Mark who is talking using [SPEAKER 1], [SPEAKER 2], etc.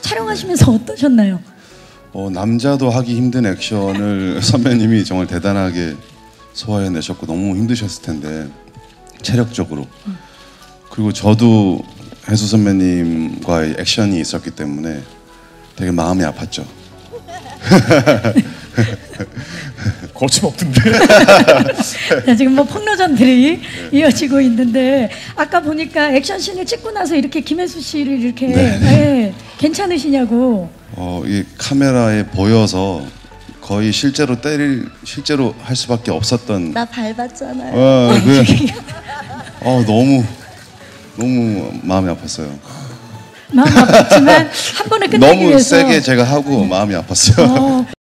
[SPEAKER 1] 촬영하시면서 어떠셨나요?
[SPEAKER 2] 남자도 하기 힘든 액션을 선배님이 정말 대단하게 소화해내셨고 너무 힘드셨을 텐데 체력적으로. 그리고 저도 혜수 선배님과의 액션이 있었기 때문에 되게 마음이 아팠죠.
[SPEAKER 3] 거침없던데.
[SPEAKER 1] 네, 지금 뭐 폭로전들이 이어지고 있는데 아까 보니까 액션씬을 찍고 나서 이렇게 김혜수 씨를 이렇게 괜찮으시냐고.
[SPEAKER 2] 이 카메라에 보여서 거의 실제로 할 수밖에 없었던.
[SPEAKER 4] 나 밟았잖아요.
[SPEAKER 2] 너무 마음이 아팠어요.
[SPEAKER 1] 마음 아팠지만 한 번에 끝내기
[SPEAKER 2] 너무
[SPEAKER 1] 위해서
[SPEAKER 2] 세게 제가 하고 마음이 아팠어요.